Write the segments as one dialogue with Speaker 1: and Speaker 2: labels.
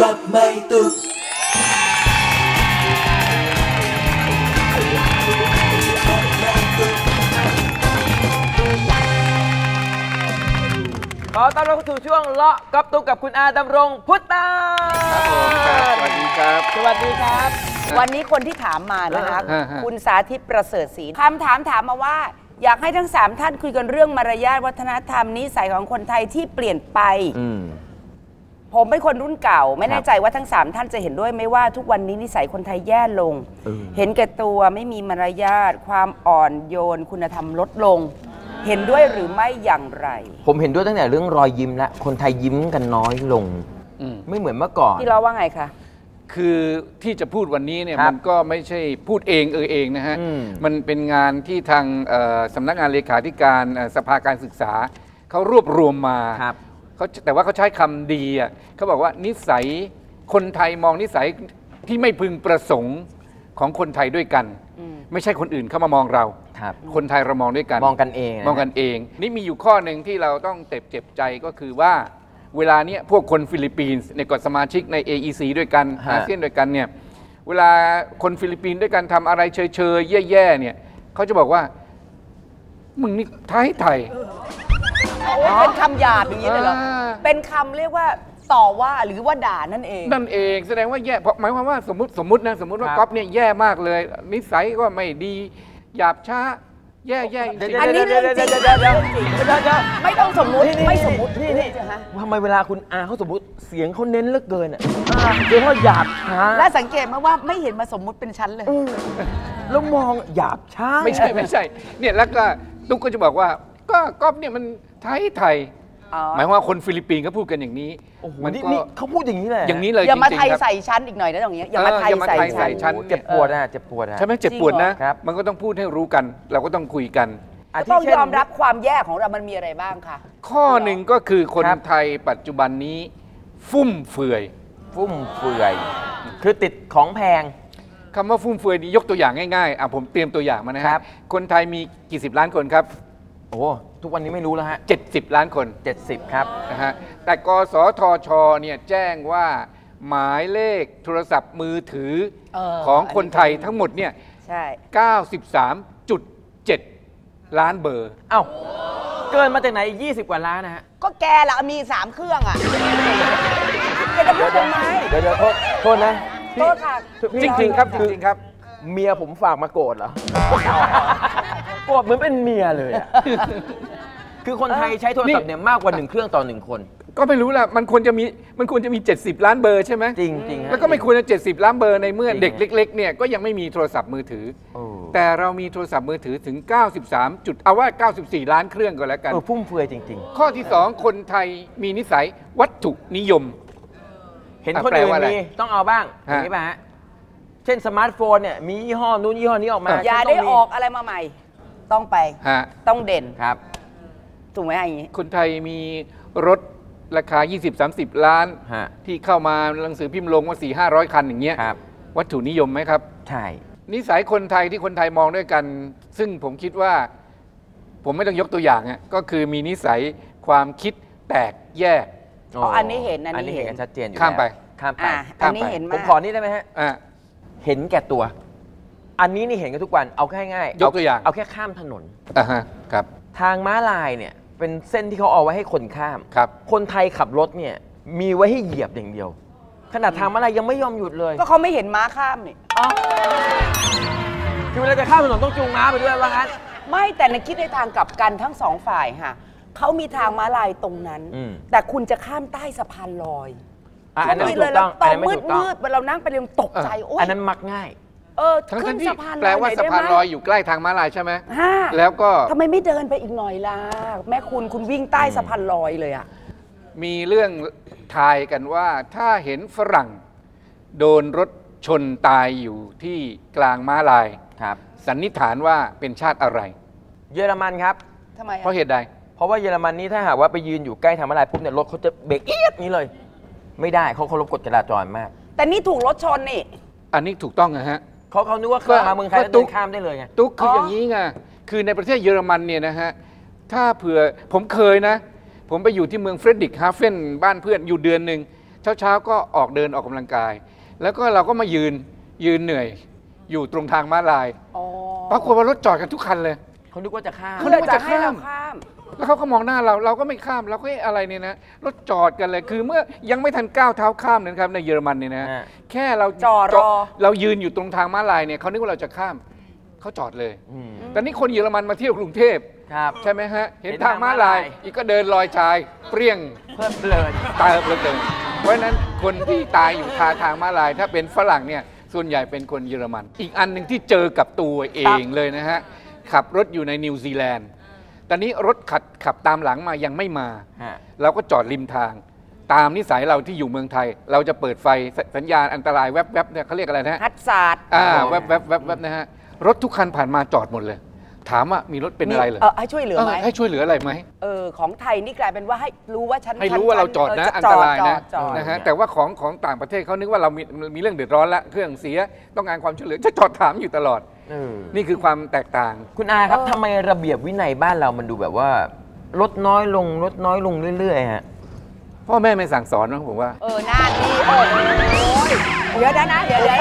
Speaker 1: กับไม่ตุก
Speaker 2: ขอต้อนรับเข้าสู่ช่วงเลาะกับตุกกับคุณอาดำรงพุทธา
Speaker 3: ครับผมครับสวัสดีครับ
Speaker 2: สวัสดีครับ
Speaker 4: วันนี้คนที่ถามมานะคะคุณสาธิตประเสริฐศรีคำถามมาว่าอยากให้ทั้ง3ท่านคุยกันเรื่องมารยาทวัฒนธรรมนิสัยของคนไทยที่เปลี่ยนไปผมเป็นคนรุ่นเก่าไม่แน่ใจว่าทั้ง3ท่านจะเห็นด้วยไหมว่าทุกวันนี้นิสัยคนไทยแย่ลงเห็นแก่ตัวไม่มีมารยาทความอ่อนโยนคุณธรรมลดลงเห็นด้วยหรือไม่อย่างไร
Speaker 2: ผมเห็นด้วยตั้งแต่เรื่องรอยยิ้มและคนไทยยิ้มกันน้อยลงไม่เหมือนเมื่อก่อน
Speaker 4: ที่เราว่าไงคะ
Speaker 3: คือที่จะพูดวันนี้เนี่ยมันก็ไม่ใช่พูดเองเองนะฮะมันเป็นงานที่ทางสำนักงานเลขาธิการสภาการศึกษาเขารวบรวมมาแต่ว่าเขาใช้คำดีอ่ะเขาบอกว่านิสัยคนไทยมองนิสัยที่ไม่พึงประสงค์ของคนไทยด้วยกันไม่ใช่คนอื่นเข้ามามองเราคนไทยเรามองด้วยกัน
Speaker 2: มองกันเอง
Speaker 3: นี่มีอยู่ข้อหนึ่งที่เราต้องเจ็บใจก็คือว่าเวลาเนี้ยพวกคนฟิลิปปินส์ในกฎสมาชิกใน AEC ด้วยกันอาเซียนด้วยกันเนี่ยเวลาคนฟิลิปปินส์ด้วยกันทำอะไรเชยแย่เนี่ยเขาจะบอกว่ามึงนี่ไทย
Speaker 4: เป็นคำหยาบอย่างนี้เลยเหรอเป็นคำเรียกว่าต่อว่าหรือว่าด่านั่นเอง
Speaker 3: แสดงว่าแย่เพราะหมายความว่าสมมติว่าก๊อฟเนี่ยแย่มากเลยนิสัยก็ไม่ดีหยาบช้าแย่
Speaker 4: อันนี้เรื่องจริงไม่ต้องสมมุติไม่สมมุตินี่
Speaker 2: ทำไมเวลาคุณอาเขาสมมติเสียงเขาเน้นเหลือเกินอ่ะเสียงเขาหยาบช้า
Speaker 4: และสังเกตมาว่าไม่เห็นมาสมมุติเป็นชั้นเลย
Speaker 2: แล้วมองหยาบช้า
Speaker 3: ไม่ใช่เนี่ยแล้วก็ตุ๊กก็จะบอกว่าก็ก๊อฟเนี่ยมันไทยหมายว่าคนฟิลิปปินส์เขาพูดกันอย่างนี้
Speaker 2: มันนี่เขาพูดอย่างนี้เลย
Speaker 4: อย่ามาไทยใส่ชั้นอีกหน่อยนะตรงนี้อย่ามาไทยใส่ชั้น
Speaker 2: เจ็บปวดใ
Speaker 3: ช่ไหมเจ็บปวดนะมันก็ต้องพูดให้รู้กันเราก็ต้องคุยกัน
Speaker 4: ต้องยอมรับความแย่ของเรามันมีอะไรบ้างคะ
Speaker 3: ข้อหนึ่งก็คือคนไทยปัจจุบันนี้ฟุ่มเฟือย
Speaker 2: คือติดของแพง
Speaker 3: คำว่าฟุ่มเฟือยนี้ยกตัวอย่างง่ายๆผมเตรียมตัวอย่างมานะครับคนไทยมีกี่สิบล้านคนครับ
Speaker 2: โอ้ทุกวันนี้ไม่รู้แล้วฮะ
Speaker 3: 70 ล้านคน
Speaker 2: 70ครับ
Speaker 3: นะฮะแต่กสทชเนี่ยแจ้งว่าหมายเลขโทรศัพท์มือถือของคนไทยทั้งหมดเนี่ย93.7 ล้านเบอร์
Speaker 2: เอ้าเกินมาจากไหน20กว่าล้านนะฮะ
Speaker 4: ก็แกละมี3เครื่องอ่ะแกจะพูดทำไม
Speaker 2: เดี๋ยวโทษนะ
Speaker 4: โทษค่ะ
Speaker 3: จริงๆครับ
Speaker 2: เมียผมฝากมาโกรธเหรอโกรธเหมือนเป็นเมียเลยอ่ะคือคนไทยใช้โทรศัพท์เนี่ยมากกว่า1เครื่องต่อ1คน
Speaker 3: ก็ไม่รู้แหละมันควรจะมี70 ล้านเบอร์ใช่ไหม
Speaker 2: จริง
Speaker 3: แล้วก็ไม่ควรจะ70 ล้านเบอร์ในเมื่อเด็กเล็กๆเนี่ยก็ยังไม่มีโทรศัพท์มือถือแต่เรามีโทรศัพท์มือถือถึงเอาว่า94 ล้านเครื่องก็แล้วกัน
Speaker 2: ฟุ่มเฟือยจริง
Speaker 3: ๆข้อที่2คนไทยมีนิสัยวัตถุนิยม
Speaker 2: เห็นคนอื่นมีต้องเอาบ้างอย่างนี้ป่ะฮะเช่นสมาร์ทโฟนเนี่ยมียี่ห้อนู้นยี่ห้อนี้ออกมา
Speaker 4: อย่าได้ออกอะไรมาใหม่ต้องไปต้องเด่น
Speaker 2: ครับ
Speaker 4: ถูกไหมอย่างนี้
Speaker 3: คนไทยมีรถราคา 20-30 ล้านที่เข้ามาหนังสือพิมพ์ลงว่า400-500 คันอย่างเงี้ยวัตถุนิยมไหมครับ
Speaker 2: ใช่
Speaker 3: นิสัยคนไทยที่คนไทยมองด้วยกันซึ่งผมคิดว่าผมไม่ต้องยกตัวอย่างก็คือมีนิสัยความคิดแตกแยก
Speaker 4: อันนี้เห็น
Speaker 2: กันชัดเจนอยู่
Speaker 3: ข้ามไป
Speaker 4: อันนี้เห็น
Speaker 2: ผมขอนี่ได้ไหมฮะเห็นแก่ตัวอันนี้นี่เห็นกันทุกวันเอาแค่ง่าย
Speaker 3: ยกตัวอย่าง
Speaker 2: เอาแค่ข้ามถนน
Speaker 3: ครับ
Speaker 2: ทางม้าลายเนี่ยเป็นเส้นที่เขาเอาไว้ให้คนข้ามคนไทยขับรถเนี่ยมีไว้ให้เหยียบอย่างเดียวขนาดทางม้าลายยังไม่ยอมหยุดเลย
Speaker 4: ก็เขาไม่เห็นม้าข้ามนี่
Speaker 2: คือเวลาจะข้ามถนนต้องจูงม้าไปด้วยว่างั้น
Speaker 4: ไม่แต่ในคิดในทางกลับกันทั้งสองฝ่ายค่ะเขามีทางม้าลายตรงนั้นแต่คุณจะข้ามใต้สะพานลอย
Speaker 2: อันนั้นถูกต้อง
Speaker 4: ตอนมืดเวลาเรานั่งไปเรียนตกใจ
Speaker 2: อันนั้นมักง่าย
Speaker 3: ขึ้นสะพานลอยแปลว่าสะพานลอยอยู่ใกล้ทางม้าลายใช่ไหมแล้วก็
Speaker 4: ทำไมไม่เดินไปอีกหน่อยล่ะแม่คุณวิ่งใต้สะพานลอยเลยอ่ะ
Speaker 3: มีเรื่องทายกันว่าถ้าเห็นฝรั่งโดนรถชนตายอยู่ที่กลางม้าลายสันนิษฐานว่าเป็นชาติอะไร
Speaker 2: เยอรมันครับ
Speaker 4: ทำไม
Speaker 3: เพราะเหตุใด
Speaker 2: เพราะว่าเยอรมันนี้ถ้าหากว่าไปยืนอยู่ใกล้ทางม้าลายปุ๊บเนี่ยรถเขาจะเบรกเอียดนี้เลยไม่ได้เขาเคารพกฎจราจรมาก
Speaker 4: แต่นี่ถูกรถชนนี่
Speaker 3: อันนี้ถูกต้องนะฮะ
Speaker 2: เขานึกว่าเข้ามาเมืองไทยแล้วเดินข้ามได้เลยไง
Speaker 3: ตุ๊กคืออย่างนี้ไงคือในประเทศเยอรมันเนี่ยนะฮะถ้าเผื่อผมเคยนะผมไปอยู่ที่เมืองเฟรดริกฮาเฟนบ้านเพื่อนอยู่เดือนหนึ่งเช้าก็ออกเดินออกกำลังกาย แล้วก็เราก็มายืนเหนื่อยอยู่ตรงทางม้าลายปรากฏว่ารถจอดกันทุกคันเลย
Speaker 2: เขานึกว่าจะข้าม
Speaker 3: เขานึกว่าจะข้ามแล้วเขาก็มองหน้าเราก็ไม่ข้ามเราก็อะไรเนี่ยนะรถจอดกันเลยคือเมื่อยังไม่ทันก้าวเท้าข้ามนะครับในเยอรมันเนี่ยนะแค่เรา
Speaker 4: จอดรอ
Speaker 3: เรายืนอยู่ตรงทางม้าลายเนี่ยเขานึกว่าเราจะข้ามเขาจอดเลยแต่นี่คนเยอรมันมาเที่ยวกรุงเทพใช่ไหมฮะเห็นทางม้าลายอีกก็เดินลอยชายเปรี้ยง
Speaker 2: เพิ่มเพลิน
Speaker 3: ตายเพลินเพราะฉะนั้นคนที่ตายอยู่คาทางม้าลายถ้าเป็นฝรั่งเนี่ยส่วนใหญ่เป็นคนเยอรมันอีกอันหนึ่งที่เจอกับตัวเองเลยนะฮะขับรถอยู่ในนิวซีแลนด์ตอนนี้รถขับตามหลังมายังไม่มาเราก็จอดริมทางตามนิสัยเราที่อยู่เมืองไทยเราจะเปิดไฟสัญญาณอันตรายแวบๆเนี่ยเขาเรียกอะไรนะ
Speaker 4: ฮัตซาร์ด
Speaker 3: แวบนะฮะรถทุกคันผ่านมาจอดหมดเลยถามว่ามีรถเป็นอะไรเหรอ
Speaker 4: ให้ช่วยเหลือไหม
Speaker 3: ให้ช่วยเหลืออะไรไหม
Speaker 4: ของไทยนี่กลายเป็นว่าให้รู้ว่าฉัน
Speaker 3: ให้รู้ว่าเราจอดนะอันตรายนะฮะแต่ว่าของต่างประเทศเขานึกว่าเรามีเรื่องเดือดร้อนละเครื่องเสียต้องการความช่วยเหลือจะจอดถามอยู่ตลอดนี่คือความแตกต่าง
Speaker 2: คุณอาครับทำไมระเบียบวินัยบ้านเรามันดูแบบว่าลดน้อยลงเรื่อยๆฮะ
Speaker 3: พ่อแม่ไม่สั่งสอนนะผมว่า
Speaker 4: หน้าที่เดี๋ยวนะเดี๋ยว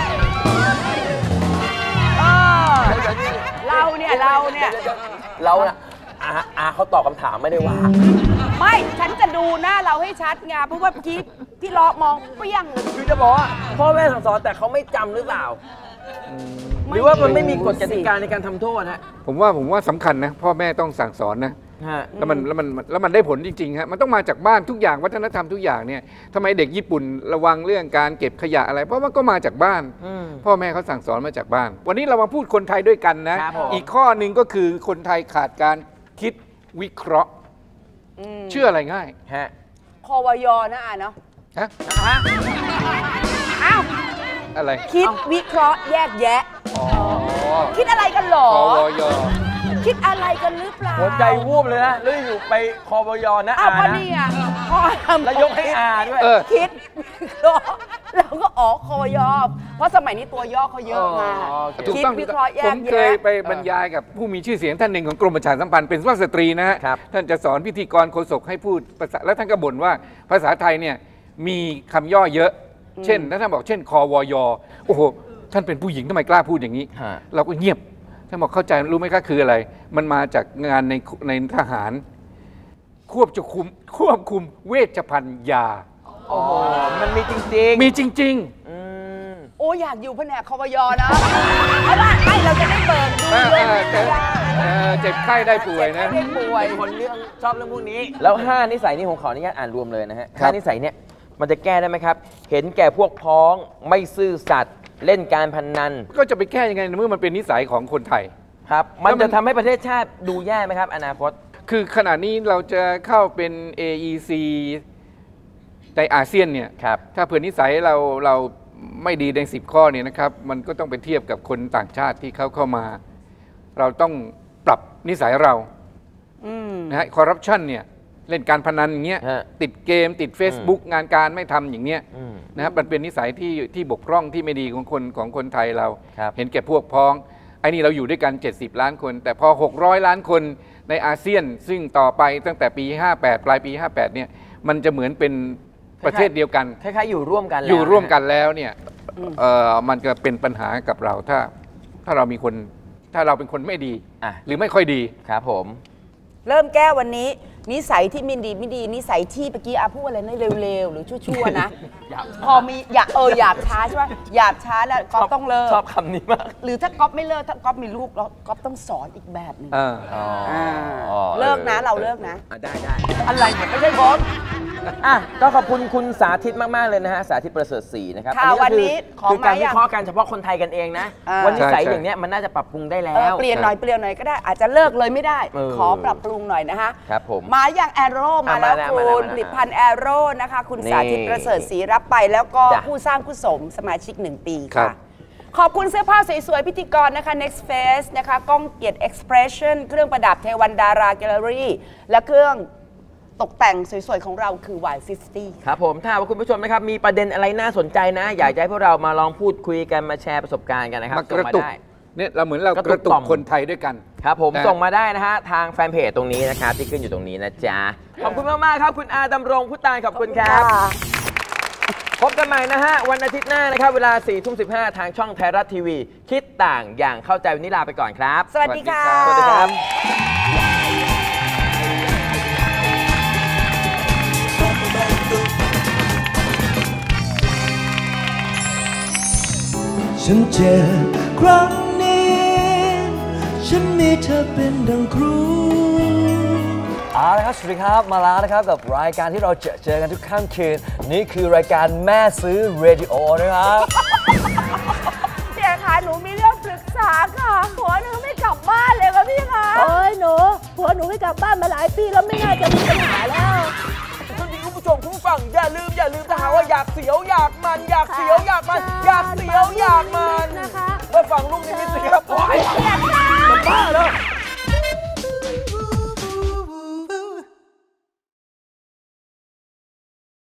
Speaker 2: เราอาเขาตอบคำถามไม่ได้ว่า
Speaker 4: ไม่ฉันจะดูหน้าเราให้ชัดไงเพราะว่าเมื่อกี้พี่ล้อมองเปี้ยง
Speaker 2: คือจะบอกว่าพ่อแม่สั่งสอนแต่เขาไม่จำหรือเปล่าหรือว่ามันไม่มีกฎกติกาในการทำโทษฮะ
Speaker 3: ผมว่าสำคัญนะพ่อแม่ต้องสั่งสอนนะแล้วมันได้ผลจริงๆฮะมันต้องมาจากบ้านทุกอย่างวัฒนธรรมทุกอย่างเนี่ยทำไมเด็กญี่ปุ่นระวังเรื่องการเก็บขยะอะไรเพราะมันก็มาจากบ้านพ่อแม่เขาสั่งสอนมาจากบ้านวันนี้เรามาพูดคนไทยด้วยกันนะอีกข้อหนึ่งก็คือคนไทยขาดการคิดวิเคราะห์เชื่ออะไรง่าย
Speaker 2: ฮะ
Speaker 4: ควยนะเนาะ
Speaker 3: ฮะ
Speaker 4: อ้าว
Speaker 3: อะไร
Speaker 4: คิดวิเคราะห์แยกแยะคิดอะไรกันหรอ
Speaker 3: ควย
Speaker 4: คิดอะไรกันหรือเปล่า
Speaker 2: หัวใจวูบเลยนะแล้วอยู่ไปควยนะ
Speaker 4: อานะนี่อ่ะ
Speaker 2: แล้วยกให้อาด้วย
Speaker 4: คิดแล้วก็ควยเพราะสมัยนี้ตัวย่อเขาเยอะมาก
Speaker 3: คิดวิเคราะห์แยกแยะผมเคยไปบรรยายกับผู้มีชื่อเสียงท่านหนึ่งของกรมประชาสัมพันธ์เป็นสุภาพสตรีนะฮะท่านจะสอนพิธีกรโฆษกให้พูดภาษาแล้วท่านก็บ่นว่าภาษาไทยเนี่ยมีคำย่อเยอะเช่นท่านบอกเช่นควยโอ้โหท่านเป็นผู้หญิงทำไมกล้าพูดอย่างนี้เราก็เงียบท่านบอกเข้าใจรู้ไหมคะคืออะไรมันมาจากงานในทหารควบคุมเวชภัณฑ์ยา
Speaker 2: โอ้โหมันมีจริง
Speaker 3: มีจริง
Speaker 4: โอ้อยากอยู่แผนกควยนะเพราะว่าให้เราจะได้เปิดดู
Speaker 3: เจ็บไข้ได้ป่วยนะ
Speaker 2: คนเรื่องชอบเรื่องพวกนี้แล้ว5นิสัยนี้ผมขออนุญาตอ่านรวมเลยนะฮะ5นิสัยเนี่ยมันจะแก้ได้ไหมครับเห็นแก่พวกพ้องไม่ซื่อสัตย์เล่นการพนัน
Speaker 3: ก็จะไปแก้ยังไงเมื่อมันเป็นนิสัยของคนไทย
Speaker 2: ครับมันจะทำให้ประเทศชาติดูแย่ไหมครับอนาคต
Speaker 3: คือขณะนี้เราจะเข้าเป็น AEC ในอาเซียนเนี่ยถ้าเผื่อนิสัยเราไม่ดีใน10ข้อเนี่ยนะครับมันก็ต้องไปเทียบกับคนต่างชาติที่เข้ามาเราต้องปรับนิสัยเรานะฮะคอร์รัปชันเนี่ยเล่นการพนันอย่างเงี้ยติดเกมติด Facebook งานการไม่ทำอย่างเงี้ยนะครับมันเป็นนิสัยที่บกพร่องที่ไม่ดีของคนไทยเราเห็นแก่พวกพ้องไอ้นี่เราอยู่ด้วยกัน70ล้านคนแต่พอ600ล้านคนในอาเซียนซึ่งต่อไปตั้งแต่ปี58ปลายปี58เนี่ยมันจะเหมือนเป็นประเทศเดียวกัน
Speaker 2: คล้ายๆอยู่ร่วมกัน
Speaker 3: แล้วเนี่ยมันจะเป็นปัญหากับเราถ้าเราเป็นคนไม่ดีหรือไม่ค่อยดี
Speaker 2: ครับผม
Speaker 4: เริ่มแก้วันนี้นิสัยที่ไม่ดีนิสัยที่เมื่อกี้พูดอะไรนะเร็วๆหรือชั่วๆนะพอมีหยาบช้าใช่ไหมหยาบช้าแล้วก๊อฟต้องเลิก
Speaker 2: ชอบคำนี้มาก
Speaker 4: หรือถ้าก๊อฟไม่เลิกถ้าก๊อฟมีลูกแล้วก๊อฟต้องสอนอีกแบบนึงเลิกนะเราเลิกนะ
Speaker 2: ได้อะไรเนี่ยไม่ใช่ผมก็ขอบคุณคุณสาธิตมากๆเลยนะฮะสาธิตประเสริฐศรีนะครับ
Speaker 4: วันนี้
Speaker 2: คือการวิเคราะห์กันเฉพาะคนไทยกันเองนะวันนิสัยอย่างเนี้ยมันน่าจะปรับปรุงได้แล้ว
Speaker 4: เปลี่ยนหน่อยก็ได้อาจจะเลิกเลยไม่ได้ขอปรับปรุงหน่อยนะคะ
Speaker 2: ครับผม
Speaker 4: มาอย่างแอโร่มาแล้วคุณผลิตภัณฑ์แอโร่นะคะคุณสาธิตประเสริฐศรีรับไปแล้วก็ผู้สร้างกุศลสมาชิก1 ปีค่ะขอบคุณเสื้อผ้าสวยๆพิธีกรนะคะ Next Face นะคะก้องเกียรติ Expression เครื่องประดับเทวันดาราแกลเลอรี่และเครื่องตกแต่งสวยๆของเราคือ Y50
Speaker 2: ครับผมถ้าว่าคุณผู้ชมนะครับมีประเด็นอะไรน่าสนใจนะอยากให้พวกเรามาลองพูดคุยกันมาแชร์ประสบการณ์กันนะครับ
Speaker 3: ส่งมาได้เนี่ยเราเหมือนเรากระตุกคนไทยด้วยกัน
Speaker 2: ครับผมส่งมาได้นะฮะทางแฟนเพจตรงนี้นะครับที่ขึ้นอยู่ตรงนี้นะจ๊ะขอบคุณมากๆครับคุณอาดำรงพุตานขอบคุณครับพบกันใหม่นะฮะวันอาทิตย์หน้านะครับเวลา 4:15 ทางช่องไทยรัฐทีวีคิดต่างอย่างเข้าใจวันนี้ลาไปก่อนครับ
Speaker 4: สวัสดีค่ะ
Speaker 2: สวัสดีครับ
Speaker 1: ฉันเจ็บครั้งนี้ฉันมีเธอเป็นดังครูเอาละครับสวัสดีครับมาแล้วนะครับกับรายการที่เราเจอกันทุกค่ำคืนนี่คือรายการแม่ซื้อเรดิโอนะครับ
Speaker 4: พี่คะหนูมีเรื่องปรึกษาค่ะผัวหนูไม่กลับบ้านเลยค่ะพี่คะโอ้ยหนูผัวหนูไม่กลับบ้านมาหลายปีแล้วไม่น่าจะมีปัญหาแล้ว
Speaker 2: คุณผู้ชมคุณฟังอย่าลืมถ้าหาว่าอยากเสียวอยากมันอยากเสียวอยากมันอยากเสียวอยากมันนะคะมาฟังลูกนิมิตสิครับโอ้ยจะบ้าเหรอ